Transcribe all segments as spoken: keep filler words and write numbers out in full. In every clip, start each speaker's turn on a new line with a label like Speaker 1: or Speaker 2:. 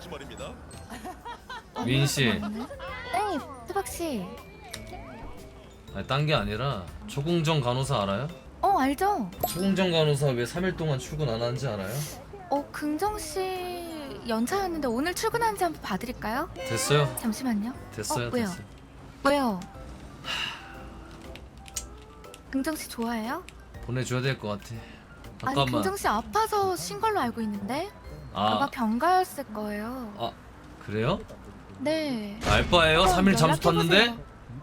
Speaker 1: 말입니다.
Speaker 2: 미인 씨,
Speaker 3: 네, 수박 씨.
Speaker 2: 아니 딴 게 아니라 초궁정 간호사 알아요?
Speaker 3: 어, 알죠?
Speaker 2: 초궁정 간호사 왜 삼 일 동안 출근 안 하는지 알아요?
Speaker 3: 어, 긍정 씨 연차였는데 오늘 출근하는지 한번 봐드릴까요?
Speaker 2: 됐어요.
Speaker 3: 잠시만요.
Speaker 2: 됐어요.
Speaker 3: 어, 왜요?
Speaker 2: 됐어요.
Speaker 3: 왜요? 긍정 씨 좋아해요?
Speaker 2: 보내줘야 될 것 같아.
Speaker 3: 아니,
Speaker 2: 잠깐만.
Speaker 3: 긍정 씨 아파서 쉰 걸로 알고 있는데 아마
Speaker 2: 아,
Speaker 3: 병가였을 거예요.
Speaker 2: 아 그래요?
Speaker 3: 네.
Speaker 2: 알바예요? 삼 일 잠수 탔는데?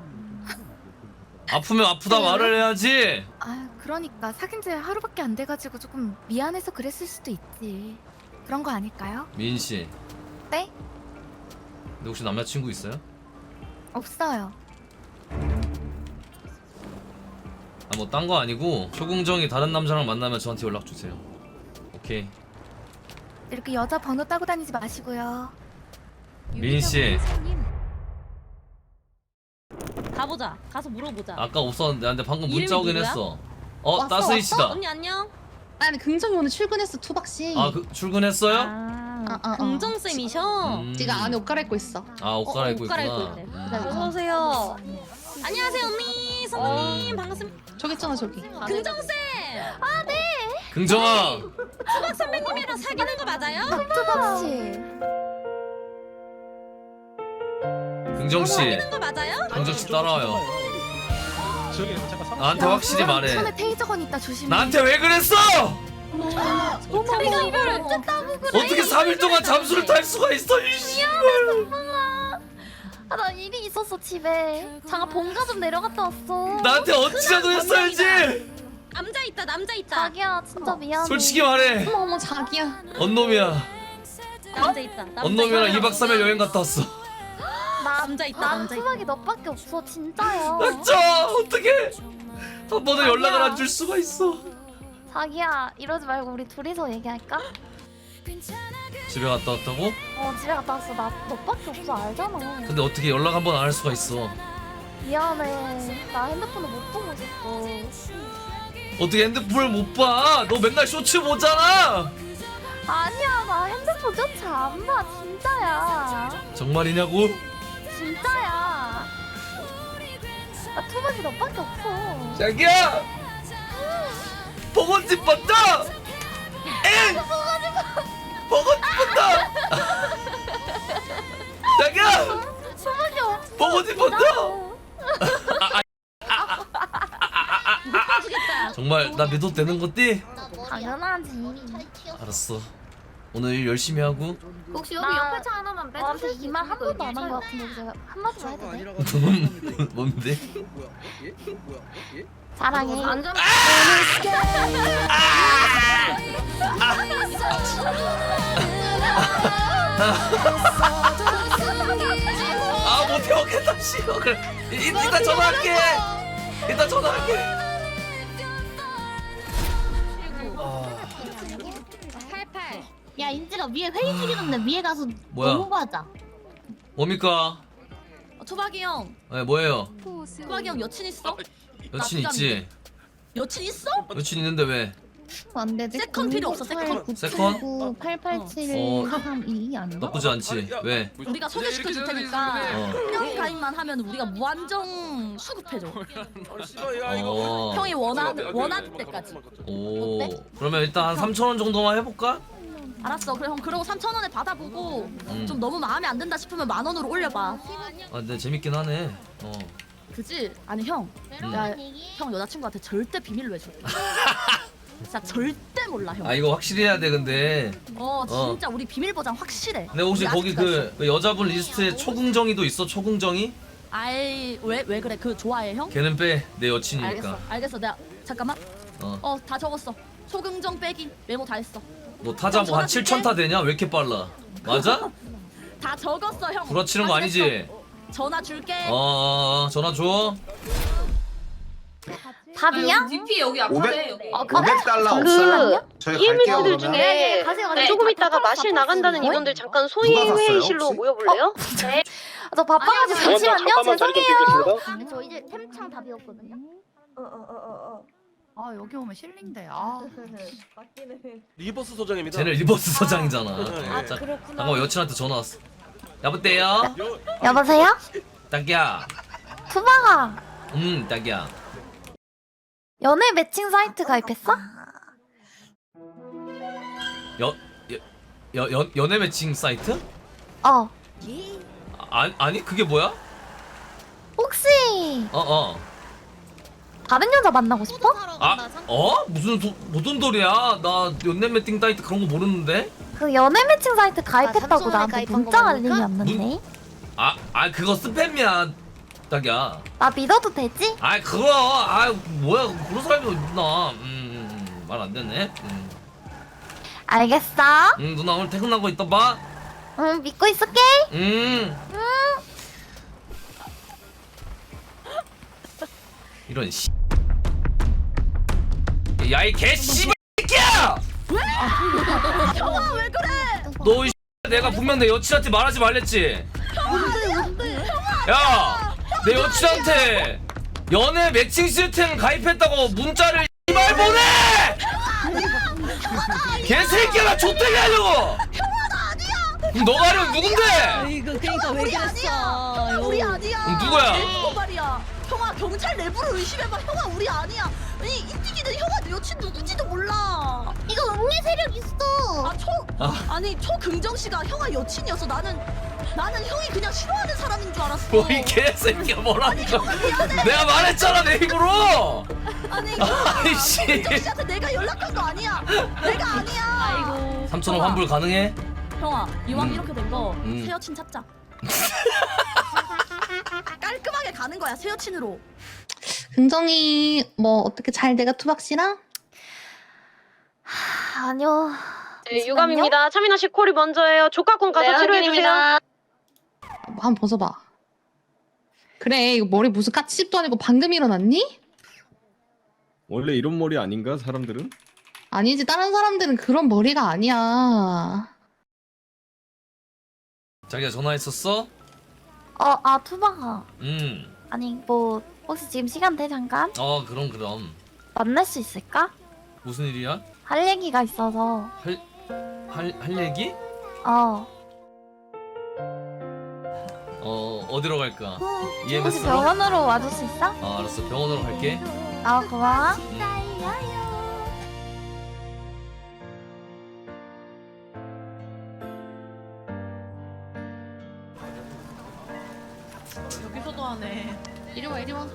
Speaker 2: 아프면 아프다 말을 해야지.
Speaker 3: 아, 그러니까 사귄 지 하루밖에 안 돼가지고 조금 미안해서 그랬을 수도 있지. 그런 거 아닐까요?
Speaker 2: 미인 씨,
Speaker 3: 네?
Speaker 2: 근데 혹시 남자친구 있어요?
Speaker 3: 없어요.
Speaker 2: 아 뭐 딴 거 아니고 초궁정이 다른 남자랑 만나면 저한테 연락 주세요. 오케이.
Speaker 3: 이렇게 여자 번호 따고 다니지 마시고요.
Speaker 2: 미인 씨,
Speaker 4: 가보자. 가서 물어보자.
Speaker 2: 아까 없었는데 근데 방금
Speaker 4: 이름이
Speaker 2: 문자 오긴
Speaker 4: 누구야?
Speaker 2: 했어. 어,
Speaker 5: 왔어,
Speaker 2: 따스이
Speaker 5: 왔어?
Speaker 2: 씨다.
Speaker 4: 언니 안녕.
Speaker 5: 아니 긍정이 오늘 출근했어 투박씨.
Speaker 2: 아, 그 출근했어요?
Speaker 4: 아,
Speaker 5: 아, 아, 아.
Speaker 4: 긍정 쌤이셔.
Speaker 2: 음.
Speaker 5: 지가 안에 옷 갈아입고 있어.
Speaker 2: 아, 옷
Speaker 4: 어,
Speaker 2: 갈아입고
Speaker 4: 옷 갈아입고
Speaker 2: 있구나.
Speaker 4: 있네.
Speaker 2: 음.
Speaker 4: 어서 오세요. 안녕하세요 언니, 선생님 반갑습니다.
Speaker 5: 저기 있잖아 저기.
Speaker 4: 긍정 쌤.
Speaker 2: 긍정아,
Speaker 4: 수박 선배님이랑 사귀는 거 맞아요?
Speaker 3: 수박 씨.
Speaker 2: 긍정 씨,
Speaker 4: 사귀는 거 맞아요?
Speaker 2: 긍정 씨 따라와요.
Speaker 1: 저기 잠깐 상.
Speaker 2: 나한테 확실히 말해.
Speaker 3: 손에 테이저건 있다 조심해.
Speaker 2: 나한테 왜 그랬어?
Speaker 4: 자기가 이걸 어쨌다고 그래?
Speaker 2: 어떻게 삼 일 동안 잠수를 탈 수가 있어? 이 씨발.
Speaker 3: 아, 나 일이 있었어 집에. 잠깐 본가 좀 내려갔다 왔어.
Speaker 2: 나한테 어찌라도 했어야지.
Speaker 4: 남자 있다, 남자 있다.
Speaker 3: 자기야 진짜 미안해.
Speaker 2: 솔직히 말해.
Speaker 5: 어머 어머 자기야.
Speaker 2: 언놈이야.
Speaker 4: 남자 있다. 남자
Speaker 2: 언놈이랑
Speaker 4: 있다.
Speaker 2: 이 박 삼 일 여행 갔다 왔어.
Speaker 4: 남자 있다.
Speaker 3: 난
Speaker 4: 남자 있다.
Speaker 3: 수박이 너밖에 없어 진짜요.
Speaker 2: 진짜 어떻게 한 번은 연락을 안 줄 수가 있어.
Speaker 3: 자기야 이러지 말고 우리 둘이서 얘기할까?
Speaker 2: 집에 갔다 왔다고?
Speaker 3: 어 집에 갔다 왔어. 나 너밖에 없어 알잖아.
Speaker 2: 근데 어떻게 연락 한 번 안 할 수가 있어?
Speaker 3: 미안해. 나 핸드폰을 못 보고 있었어.
Speaker 2: 어떻게 핸드폰을 못 봐? 너 맨날 쇼츠 보잖아.
Speaker 3: 아니야 나 핸드폰조차 안 봐. 진짜야.
Speaker 2: 정말이냐고?
Speaker 3: 진짜야. 나 투박이 너밖에 없어.
Speaker 2: 자기야! 보고 싶었다! 엥! 보고 싶었다! 자기야!
Speaker 3: 투박이 없어.
Speaker 2: 보고 싶었다!
Speaker 4: 해주겠다.
Speaker 2: 정말 나 믿어도 되는 거지?
Speaker 3: 당연하지.
Speaker 2: 알았어. 오늘 일 열심히 하고
Speaker 3: 혹시 여기 옆에 차 하나만 빼주세요. 나한테 이 말 한 번도 안 한 거 같은데 제가 한마디만 해도 돼?
Speaker 2: 뭔데?
Speaker 3: 사랑해. 안전.
Speaker 2: 아 못해 먹겠다 씨발. 그래 이- 이따 전화할게. 이따 전화할게.
Speaker 4: 팔팔.
Speaker 6: 야 인지가 위에 회의 중이던데 위에 가서
Speaker 2: 뭐야?
Speaker 6: 넘어가자.
Speaker 2: 뭡니까?
Speaker 4: 어, 투박이 형.
Speaker 2: 네 뭐예요?
Speaker 4: 투박이 형 여친 있어?
Speaker 2: 여친 있지?
Speaker 4: 여친 있어?
Speaker 2: 여친 있는데 왜?
Speaker 6: 안 되지?
Speaker 4: 세컨 필요 없어, 세컨.
Speaker 2: 세컨?
Speaker 6: 팔팔칠
Speaker 2: 어.
Speaker 6: 삼이 아닌가?
Speaker 2: 나쁘지 않지? 왜?
Speaker 4: 우리가 소개시켜 줄 테니까
Speaker 2: 어.
Speaker 4: 형 가입만 하면 우리가 무한정 수급해줘.
Speaker 2: 어.
Speaker 4: 형이 원하는 원하는 때까지.
Speaker 2: 오.
Speaker 4: 어때?
Speaker 2: 그러면 일단 한 삼천 원 정도만 해볼까?
Speaker 4: 알았어. 그래 형 그러고 삼천 원에 받아보고
Speaker 2: 음.
Speaker 4: 좀 너무 마음에 안 든다 싶으면 만 원으로 올려봐.
Speaker 2: 아 근데 재밌긴 하네. 어.
Speaker 4: 그지? 아니 형,
Speaker 2: 음.
Speaker 4: 나 형 여자친구한테 절대 비밀로 해줘. 진짜 절대 몰라 형.
Speaker 2: 아 이거 확실히 해야 돼 근데.
Speaker 4: 어 진짜 우리 비밀 보장 확실해.
Speaker 2: 근데 혹시
Speaker 4: 우리
Speaker 2: 거기
Speaker 4: 아직까지.
Speaker 2: 그, 그 여자분 리스트에 초궁정이도 있어? 초궁정이?
Speaker 4: 아이 왜 왜 그래? 그 좋아해 형?
Speaker 2: 걔는 빼. 내
Speaker 4: 알겠어.
Speaker 2: 여친이니까.
Speaker 4: 알겠어. 내가 잠깐만.
Speaker 2: 어.
Speaker 4: 어 다 적었어. 초긍정 빼기 메모 다 했어.
Speaker 2: 너 타자 뭐 한
Speaker 4: 전화 줄게.
Speaker 2: 칠천 타 되냐? 왜 이렇게 빨라? 맞아?
Speaker 4: 다 적었어 형.
Speaker 2: 구라치는 거 아니지?
Speaker 4: 확인했어. 전화 줄게.
Speaker 2: 어, 어, 어 전화 줘.
Speaker 3: 답이야?
Speaker 7: 디피 여기
Speaker 8: 오백
Speaker 7: 앞에 여기.
Speaker 3: 어, 그래?
Speaker 8: 오백 달러
Speaker 3: 그
Speaker 8: 없어요? 저희 갈게요
Speaker 9: 이엠에스들
Speaker 8: 그러면.
Speaker 9: 중에
Speaker 3: 네, 가세요, 가세요.
Speaker 9: 조금
Speaker 3: 다
Speaker 9: 있다가
Speaker 3: 다
Speaker 9: 마실
Speaker 3: 다
Speaker 9: 나간다는
Speaker 3: 다
Speaker 9: 인원들 잠깐
Speaker 8: 누가
Speaker 9: 소위
Speaker 8: 샀어요,
Speaker 9: 회의실로
Speaker 8: 혹시?
Speaker 9: 모여볼래요?
Speaker 3: 네. 저 바빠가지고 잠시만요. 죄송해요. 저 이제 템창 다 비웠거든요.
Speaker 7: 어어어어. 아 여기 오면 실린데. 아.
Speaker 1: 리버스 소장입니다.
Speaker 2: 쟤네 리버스 서장이잖아.
Speaker 1: 아,
Speaker 2: 자, 잠깐만 여친한테 전화 왔어. 여보세요?
Speaker 3: 여보세요?
Speaker 2: 딱이야.
Speaker 3: 투바가
Speaker 2: 음, 딱이야.
Speaker 3: 연애 매칭 사이트 가입했어?
Speaker 2: 여, 여, 여, 연, 연애 매칭 사이트?
Speaker 3: 어.
Speaker 2: 아, 아니 그게 뭐야?
Speaker 3: 혹시
Speaker 2: 어, 어.
Speaker 3: 다른 여자 만나고 싶어?
Speaker 2: 아, 어? 무슨 도, 무슨 소리야? 나 연애 매칭 사이트 그런 거 모르는데?
Speaker 3: 그 연애 매칭 사이트 가입했다고
Speaker 6: 삼촌에
Speaker 3: 나한테
Speaker 6: 가입한
Speaker 3: 문자
Speaker 6: 거
Speaker 3: 알림이
Speaker 6: 모를까?
Speaker 3: 왔는데.
Speaker 2: 아, 아 그거 스팸이야. 딱이야.
Speaker 3: 나 믿어도 되지?
Speaker 2: 아, 그거. 아, 뭐야? 그런 사람이 어딨나? 음, 음, 말 안 되네. 음.
Speaker 3: 알겠어.
Speaker 2: 음, 누나 오늘 퇴근한 거 이따 봐.
Speaker 3: 응, 믿고 있을게.
Speaker 2: 음. 이런 씨. 야, 이 개씨발 새끼야!
Speaker 4: 형아 왜 그래?
Speaker 2: 너 이 내가 분명 내 여친한테 말하지 말랬지. 야, 내 여친한테 연애 매칭 시스템 가입했다고 문자를 이말 보내! 개새끼야, 나 좆되게 하려고! 형아, 나 아니야! 그럼 너가 하려면 누군데?
Speaker 4: 이거 그러니까 왜 그랬어?
Speaker 5: 우리 아니야.
Speaker 2: 그럼 누구야?
Speaker 5: 내부 말이야. 형아 경찰 내부를 의심해봐. 형아 우리 아니야. 아니 인티기는 형아 내 여친 누군지도 몰라.
Speaker 6: 이거 음리 세력 있어.
Speaker 5: 아 초 아니 초긍정 씨가 형아 여친이어서 나는 나는 형이 그냥 싫어하는 사람인 줄 알았어.
Speaker 2: 뭐 이 개새끼야 뭐라니까. 내가 말했잖아 내 입으로.
Speaker 5: 아니
Speaker 2: 아이씨.
Speaker 5: 긍정 씨한테 내가 연락한 거 아니야. 내가 아니야.
Speaker 4: 아이고.
Speaker 2: 삼천 원 환불 가능해?
Speaker 4: 형아 이왕
Speaker 2: 음.
Speaker 4: 이렇게 된 거 새
Speaker 2: 음.
Speaker 4: 여친 찾자.
Speaker 5: 깔끔하게 가는 거야 새 여친으로.
Speaker 6: 긍정이 뭐 어떻게 잘 돼가 투박 씨랑?
Speaker 3: 하, 아니요.
Speaker 8: 네, 유감입니다. 차민아 씨 콜이 먼저예요. 조카콘 가서 치료해주세요.
Speaker 6: 뭐 한번 벗어봐. 그래 이거 머리 무슨 까치집도 아니고 방금 일어났니?
Speaker 9: 원래 이런 머리 아닌가 사람들은?
Speaker 6: 아니지 다른 사람들은 그런 머리가 아니야.
Speaker 2: 자기가 전화했었어?
Speaker 3: 어, 아 투바가.
Speaker 2: 음.
Speaker 3: 아니 뭐 혹시 지금 시간 돼 잠깐?
Speaker 2: 어 그럼 그럼.
Speaker 3: 만날 수 있을까?
Speaker 2: 무슨 일이야?
Speaker 3: 할 얘기가 있어서.
Speaker 2: 할 할 할 얘기?
Speaker 3: 어.
Speaker 2: 어 어디로 갈까?
Speaker 3: 혹시
Speaker 2: 이엠에스로?
Speaker 3: 병원으로 와줄 수 있어?
Speaker 2: 아 알았어 병원으로 갈게.
Speaker 3: 아 고마워.
Speaker 7: 여기서도 하네.
Speaker 6: 이리 와 이리 와.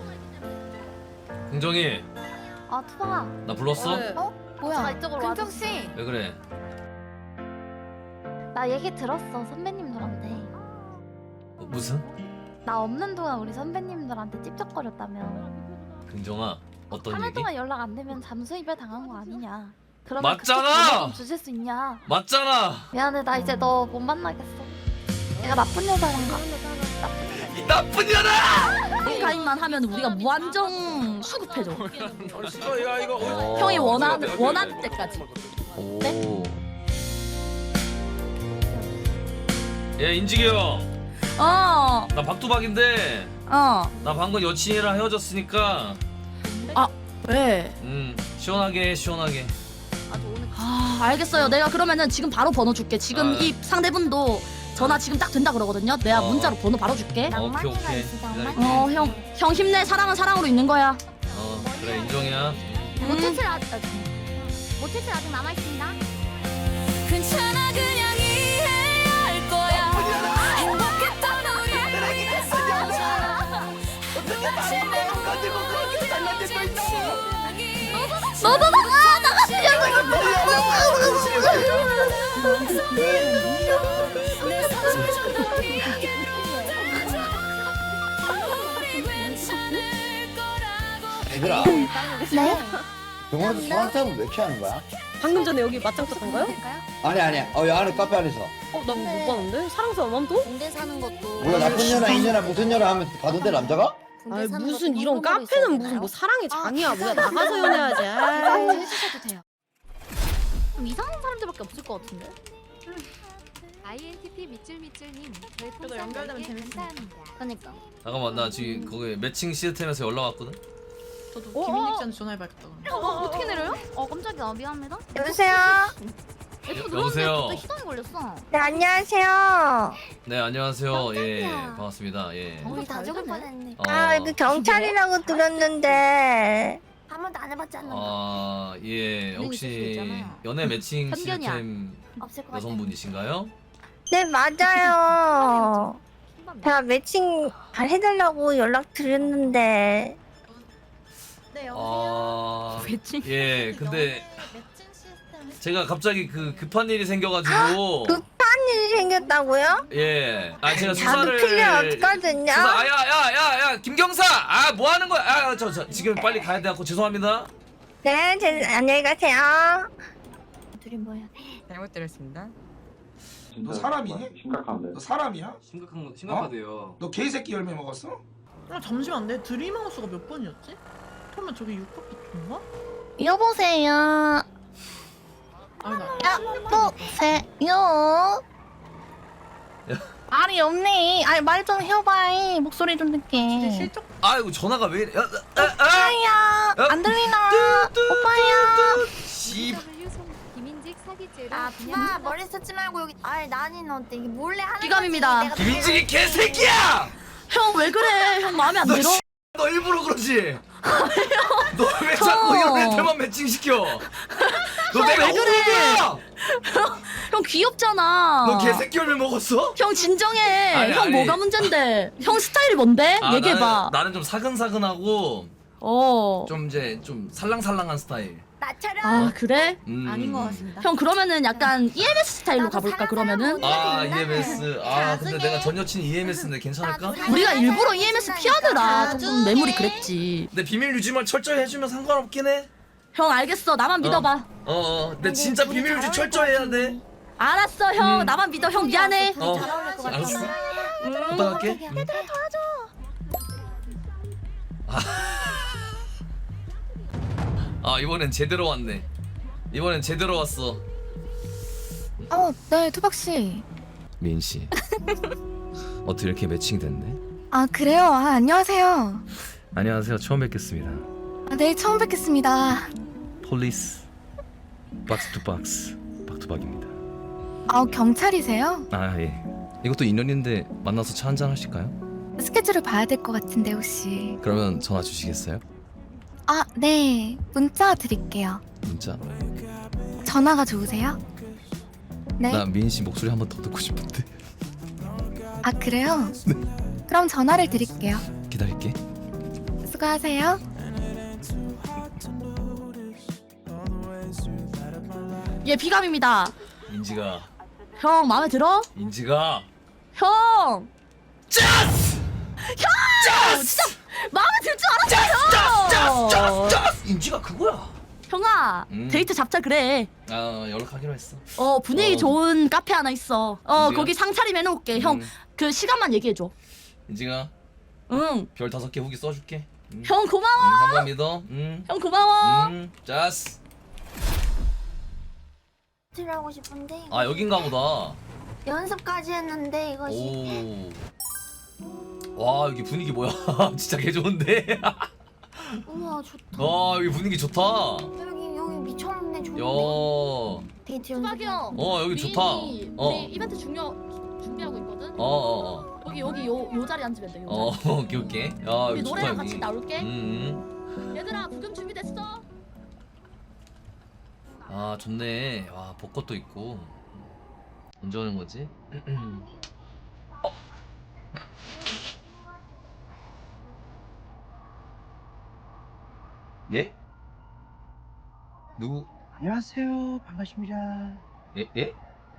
Speaker 2: 긍정이
Speaker 3: 아 투바가.
Speaker 2: 나 불렀어?
Speaker 3: 어? 뭐야?
Speaker 4: 이쪽으로
Speaker 3: 긍정 씨.
Speaker 2: 왜 그래?
Speaker 3: 나 얘기 들었어 선배님들한테.
Speaker 2: 어, 무슨?
Speaker 3: 나 없는 동안 우리 선배님들한테 찝쩍거렸다며.
Speaker 2: 긍정아 어떤
Speaker 3: 삼 일
Speaker 2: 얘기?
Speaker 3: 동안 연락 안 되면 잠수 이별 당한 거 아니냐. 그러면
Speaker 2: 맞잖아!
Speaker 3: 그쪽 번호 좀 주실 수 있냐.
Speaker 2: 맞잖아.
Speaker 3: 미안해 나 이제 너 못 만나겠어. 내가 나쁜 여자란가.
Speaker 2: 이 나쁜 년아!
Speaker 4: 가입만 하면 우리가 무한정 수급해줘.
Speaker 1: 야 이거
Speaker 2: 어.
Speaker 4: 형이 원하는 원하는 때까지.
Speaker 2: 오. 예 인직이 형.
Speaker 4: 어,
Speaker 2: 나 박두박인데
Speaker 4: 어.
Speaker 2: 나 방금 여친이랑 헤어졌으니까
Speaker 4: 왜?
Speaker 2: 음 시원하게 해, 시원하게.
Speaker 4: 아, 알겠어요. 내가 그러면은 지금 바로 번호 줄게. 지금
Speaker 2: 아.
Speaker 4: 이 상대분도 전화 지금 딱 된다 그러거든요. 내가
Speaker 2: 어.
Speaker 4: 문자로 번호 바로 줄게.
Speaker 2: 오케이 오케이. 기다릴게.
Speaker 4: 어, 형, 형 힘내. 사랑은 사랑으로 있는 거야.
Speaker 2: 어 그래 인정이야.
Speaker 3: 모태칠 아직 모태칠 아직 남아 있습니다.
Speaker 4: 괜찮아, 그냥 이해해야 할 거야. 행복했던 우리
Speaker 3: 너도 나가 나가.
Speaker 10: 얘들아,
Speaker 3: 네?
Speaker 10: 병원에서 사랑싸움을 왜 취하는 거야?
Speaker 8: 방금 전에 여기 맞짱 떴던가요?
Speaker 10: 아니 아니야. 어, 여 안에 카페 안에서.
Speaker 8: 어, 나 못 봤는데? 사랑스러운 맘도?
Speaker 6: 군대 사는 것도.
Speaker 10: 몰라 나쁜 년아 이년아 무슨 년아 하면 가던데 남자가?
Speaker 8: 아 무슨 이런 카페는 무슨 뭐 사랑의 장이야. 뭐야 나가서 연애하지. 아이.
Speaker 3: 해주셔도 돼요.
Speaker 4: 좀 이상한 사람들밖에 없을 것 같은데.
Speaker 3: 아이엔티티 밑줄밑줄님
Speaker 7: 그래도 연결되면 재밌어.
Speaker 3: 감사합니다.
Speaker 6: 그러니까.
Speaker 2: 잠깐만 나 지금 거기 매칭 시스템에서 연락 왔거든.
Speaker 7: 저도
Speaker 5: 어,
Speaker 7: 김인익
Speaker 5: 어.
Speaker 7: 씨한테 전화해봐야겠다.
Speaker 5: 어, 어, 어떻게 내려요?
Speaker 3: 어 깜짝이야 미안합니다.
Speaker 5: 여보세요?
Speaker 3: 에스코
Speaker 2: 여보세요?
Speaker 3: 들어왔는데 갑자기 희동이 걸렸어.
Speaker 5: 네, 안녕하세요.
Speaker 2: 네 안녕하세요. 예
Speaker 3: 깜짝이야.
Speaker 2: 반갑습니다. 예.
Speaker 3: 우리 다 죽을 뻔했네.
Speaker 2: 어,
Speaker 5: 아, 여기 경찰이라고 들었는데.
Speaker 3: 한 번도 안 해봤잖아.
Speaker 2: 아, 예.
Speaker 3: 있을 수
Speaker 2: 혹시
Speaker 3: 있잖아.
Speaker 2: 연애 매칭
Speaker 3: 편견이야.
Speaker 2: 시스템
Speaker 3: 없을 것 같아.
Speaker 2: 여성분이신가요?
Speaker 5: 네, 맞아요. 제가 매칭 잘 해달라고 연락 드렸는데.
Speaker 3: 네
Speaker 2: 아,
Speaker 3: 매칭?
Speaker 2: 예. 근데
Speaker 3: 매칭 시스템.
Speaker 2: 제가 갑자기 그 급한 일이 생겨가지고
Speaker 5: 급한 일이 생겼다고요?
Speaker 2: 예. 아 제가
Speaker 5: 자도
Speaker 2: 수사를
Speaker 5: 필요 없거든요.
Speaker 2: 수사 아야야야야 김경사 아 뭐 하는 거야? 아저 저 지금 빨리 가야 돼갖고 죄송합니다.
Speaker 5: 네, 제, 안녕히 가세요.
Speaker 3: 둘이 뭐야?
Speaker 7: 잘못 들었습니다.
Speaker 11: 너 사람이니? 너 사람이야?
Speaker 2: 심각한 거
Speaker 11: 심각하대요. 너 개새끼 열매 먹었어?
Speaker 7: 아 잠시만 내 드림하우스가 몇 번이었지? 그러면 저게 육 바퀴 돈가?
Speaker 5: 여보세요.
Speaker 7: 아니 나
Speaker 5: 여보세요. 말이 없네. 아니 말 좀 해봐이. 목소리 좀
Speaker 7: 진짜
Speaker 5: 듣게.
Speaker 7: 실적
Speaker 2: 아이고 전화가 왜 이래? 야, 아, 아,
Speaker 5: 오빠야.
Speaker 2: 어?
Speaker 5: 안 들리나? 오빠야.
Speaker 2: 씨.
Speaker 3: 김인직 사기죄로. 아 부마 머리 쓰지 말고 여기. 아이 나는 어때 이게 몰래 하는
Speaker 4: 기감입니다.
Speaker 3: 거지. 내가
Speaker 2: 김인직이 개새끼야!
Speaker 4: 형 왜 그래? 형 마음에 안
Speaker 2: 너
Speaker 4: 들어?
Speaker 2: 씨, 너 일부러 그러지? 너 왜 자꾸 이런 애들만 매칭시켜? 너 내가
Speaker 4: 왜 그래?
Speaker 2: 오르야!
Speaker 4: 형 귀엽잖아.
Speaker 2: 너 개새끼 열매 먹었어?
Speaker 4: 형 진정해.
Speaker 2: 아니,
Speaker 4: 형
Speaker 2: 아니.
Speaker 4: 뭐가 문제인데? 형 스타일이 뭔데?
Speaker 2: 아,
Speaker 4: 얘기해봐.
Speaker 2: 나는, 나는 좀 사근사근하고
Speaker 4: 어.
Speaker 2: 좀 이제 좀 살랑살랑한 스타일.
Speaker 3: 나처럼.
Speaker 4: 아 그래?
Speaker 2: 음.
Speaker 3: 아닌 것 같습니다.
Speaker 4: 형 그러면은 약간 이엠에스 스타일로
Speaker 3: 나도
Speaker 4: 가볼까
Speaker 3: 사랑하는
Speaker 4: 그러면은?
Speaker 2: 아
Speaker 3: 된다.
Speaker 2: 이엠에스. 아 근데
Speaker 3: 나중에.
Speaker 2: 내가 전 여친이 이엠에스인데 괜찮을까?
Speaker 3: 나도
Speaker 4: 우리가
Speaker 3: 사랑하는
Speaker 4: 일부러 이엠에스 피하느라 조금
Speaker 3: 나중에.
Speaker 4: 뇌물이 그랬지.
Speaker 2: 근데 비밀 유지만 철저히 해주면 상관없긴 해.
Speaker 4: 형 알겠어. 나만 믿어봐.
Speaker 2: 어어. 근데 진짜
Speaker 3: 둘이
Speaker 2: 비밀
Speaker 3: 잘
Speaker 2: 유지
Speaker 3: 어울릴
Speaker 2: 철저히
Speaker 3: 것
Speaker 2: 해야 돼.
Speaker 4: 알았어 형.
Speaker 2: 음.
Speaker 4: 나만 믿어. 형 미안해.
Speaker 2: 어.
Speaker 3: 잘 어울릴 것 같아.
Speaker 2: 알았어.
Speaker 3: 음.
Speaker 2: 부탁할게. 음.
Speaker 3: 얘들아 도와줘.
Speaker 2: 아 이번엔 제대로 왔네. 이번엔 제대로 왔어.
Speaker 3: 어, 네 투박 씨.
Speaker 2: 민 씨. 어떻게 이렇게 매칭이 됐네?
Speaker 3: 아 그래요. 아 안녕하세요.
Speaker 2: 안녕하세요. 처음 뵙겠습니다.
Speaker 3: 아, 네 처음 뵙겠습니다.
Speaker 2: 폴리스 박스 투 박스 박투박입니다.
Speaker 3: 아 경찰이세요?
Speaker 2: 아 예. 이것도 인연인데 만나서 차 한잔 하실까요?
Speaker 3: 스케줄을 봐야 될 것 같은데 혹시.
Speaker 2: 그러면 전화 주시겠어요?
Speaker 3: 아 네. 문자 드릴게요.
Speaker 2: 문자.
Speaker 3: 전화가 좋으세요? 네.
Speaker 2: 나 미인 씨 목소리 한 번 더 듣고 싶은데.
Speaker 3: 아 그래요? 그럼 전화를 드릴게요.
Speaker 2: 기다릴게.
Speaker 3: 수고하세요.
Speaker 4: 얘 비감입니다.
Speaker 2: 인지가
Speaker 4: 형 마음에 들어?
Speaker 2: 인지가
Speaker 4: 형.
Speaker 2: 짜스!
Speaker 4: 형 진짜 마음에 들 줄 알았어. 형.
Speaker 2: 짜스! 인지가 그거야.
Speaker 4: 형아
Speaker 2: 음.
Speaker 4: 데이트 잡자 그래.
Speaker 2: 아 연락하기로 했어.
Speaker 4: 어 분위기
Speaker 2: 어.
Speaker 4: 좋은 카페 하나 있어. 어
Speaker 2: 어디야?
Speaker 4: 거기 상차림 해놓을게. 형
Speaker 2: 음.
Speaker 4: 그 시간만 얘기해줘.
Speaker 2: 인지가
Speaker 4: 응.
Speaker 2: 별 다섯 개 후기 써줄게. 음.
Speaker 4: 형 고마워.
Speaker 2: 음, 한번 믿어. 음.
Speaker 4: 형 고마워.
Speaker 2: 음. 짜스.
Speaker 3: 들어가고 싶은데
Speaker 2: 아 여긴가 보다.
Speaker 3: 연습까지 했는데 이것이
Speaker 2: 오. 와 여기 분위기 뭐야? 진짜 개 좋은데.
Speaker 3: 우와 좋다.
Speaker 2: 와 여기 분위기 좋다.
Speaker 3: 여기 여기 미쳤네 좋은데.
Speaker 2: 야.
Speaker 3: 데이트
Speaker 4: 수박이
Speaker 3: 연습.
Speaker 4: 형.
Speaker 2: 어 여기
Speaker 4: 우리-
Speaker 2: 좋다.
Speaker 4: 우리
Speaker 2: 어.
Speaker 4: 이벤트 중요 준비하고 있거든.
Speaker 2: 어 어 어.
Speaker 4: 여기 여기 요 요 자리 앉으면 돼. 요
Speaker 2: 어
Speaker 4: 자리.
Speaker 2: 오케이 오케이. 야
Speaker 4: 우리
Speaker 2: 여기 좋다
Speaker 4: 노래랑
Speaker 2: 여기.
Speaker 4: 같이 나올게.
Speaker 2: 음.
Speaker 4: 얘들아 부금 준비됐어?
Speaker 2: 아 좋네. 와 벚꽃도 있고. 언제 오는 거지? 어. 예? 누구?
Speaker 11: 안녕하세요. 반갑습니다.
Speaker 2: 예? 예?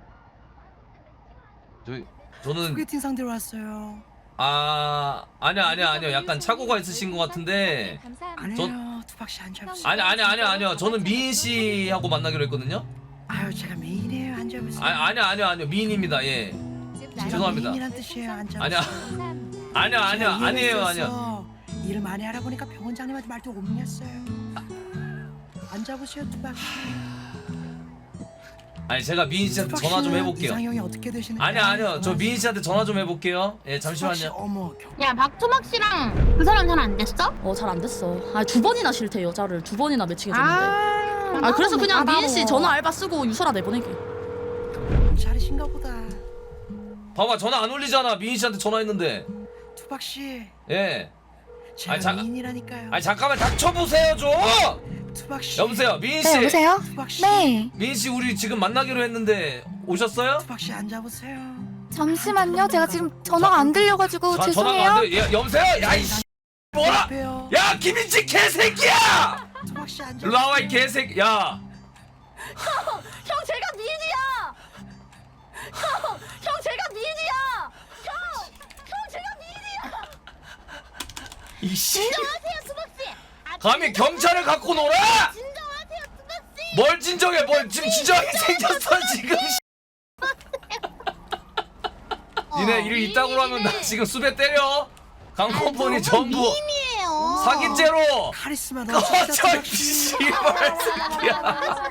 Speaker 2: 저희 저는
Speaker 11: 소개팅 상대로 왔어요.
Speaker 2: 아 아니야 아니야 아니야 약간 착오가 있으신 것 같은데
Speaker 11: 아니에요. 투박 씨 앉아보세요.
Speaker 2: 아니 아니 아니 아니요 저는 미인 씨하고 만나기로 했거든요.
Speaker 11: 아유 제가 메인이에요. 앉아보세요.
Speaker 2: 아 아니야 아니야 아니요 미인입니다. 예 죄송합니다.
Speaker 11: 메인이란 뜻이에요. 앉아보세요.
Speaker 2: 아니야 아니야 아니야
Speaker 11: 제가
Speaker 2: 아니에요
Speaker 11: 이해를
Speaker 2: 아니야.
Speaker 11: 했었어. 일을 많이 알아보니까 병원장님한테 말도 옮겼어요. 앉아보세요, 투박 씨.
Speaker 2: 아니 제가 미인 씨한테 전화 좀 해볼게요.
Speaker 11: 이상형이 어떻게 되시는지.
Speaker 2: 아니요 아니요 저 미인 씨한테 전화 좀 해볼게요. 예 잠시만요.
Speaker 11: 어머 경.
Speaker 4: 야 박토막 씨랑 그 사람 잘 안 됐어? 어 잘 안 됐어. 아 두 번이나 싫대 여자를 두 번이나 매칭해줬는데. 아, 그래서 그냥 미인 씨 전화 알바 쓰고 유서라 내보내게.
Speaker 11: 잘하신가 보다.
Speaker 2: 봐봐 전화 안 울리잖아. 미인 씨한테 전화했는데.
Speaker 11: 투박 씨.
Speaker 2: 예.
Speaker 11: 제가
Speaker 2: 아니, 잠-
Speaker 11: 미인이라니까요.
Speaker 2: 아니 잠깐만 닥쳐보세요 좀.
Speaker 11: 투박 씨.
Speaker 2: 여보세요 미인 씨.
Speaker 3: 네, 여보세요?
Speaker 11: 투박 씨.
Speaker 3: 네.
Speaker 2: 미인 씨 우리 지금 만나기로 했는데 오셨어요?
Speaker 11: 투박 씨 앉아보세요.
Speaker 3: 잠시만요. 제가 지금 전화가 안 들려가지고
Speaker 2: 전- 전화가
Speaker 3: 죄송해요.
Speaker 2: 안 돼. 야, 여보세요? 야 이씨 뭐라?
Speaker 11: 옆에요.
Speaker 2: 야 김인지 개새끼야!
Speaker 11: 투박 씨 앉아.
Speaker 2: 일로 나와 이 개새끼. 야.
Speaker 5: 형 제가 미인이야. 형, 형 제가 미인이야. 형, 형 제가 미인이야.
Speaker 2: 이씨.
Speaker 5: 진정하세요, 수박 씨. 아,
Speaker 2: 감히 경찰을 갖고 놀아?
Speaker 5: 진정하세요, 수박 씨.
Speaker 2: 뭘 진정해? 뭘 지금 진정하게 생겼어 지금. 니네 일 있다고 하면 나 지금 수배 때려. 강코폰이 전부
Speaker 5: 미인이에요.
Speaker 2: 사기죄로.
Speaker 11: 카리스마
Speaker 2: 꺼져
Speaker 11: 넘치다.
Speaker 2: 이 씨발 새끼야.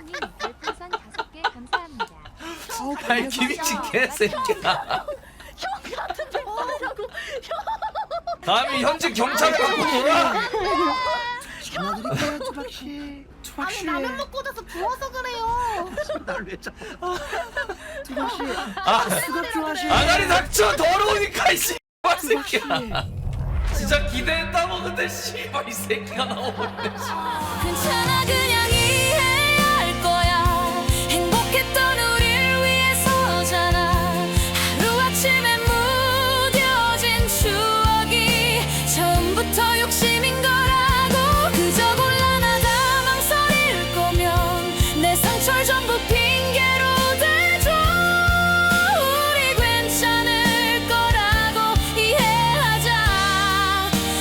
Speaker 11: 어우,
Speaker 2: 아이 김인지 개새끼야.
Speaker 5: 형 같은 데 뭐하냐고.
Speaker 2: 감히 현직 경찰을 갖고 놀아?
Speaker 11: 전화드릴게요 투박 씨. 투박
Speaker 5: 아니
Speaker 11: 씨.
Speaker 5: 라면 먹고 나서 부어서 그래요.
Speaker 11: 투박 씨.
Speaker 2: 아,
Speaker 11: 수갑 좋아하시네.
Speaker 2: 아가리 닥쳐 더러우니까 이 씨발
Speaker 11: 투박 씨.
Speaker 2: 새끼야. 진짜 기대했다고 근데 씨발 이 새끼가 나오는데.
Speaker 5: 괜찮아 그냥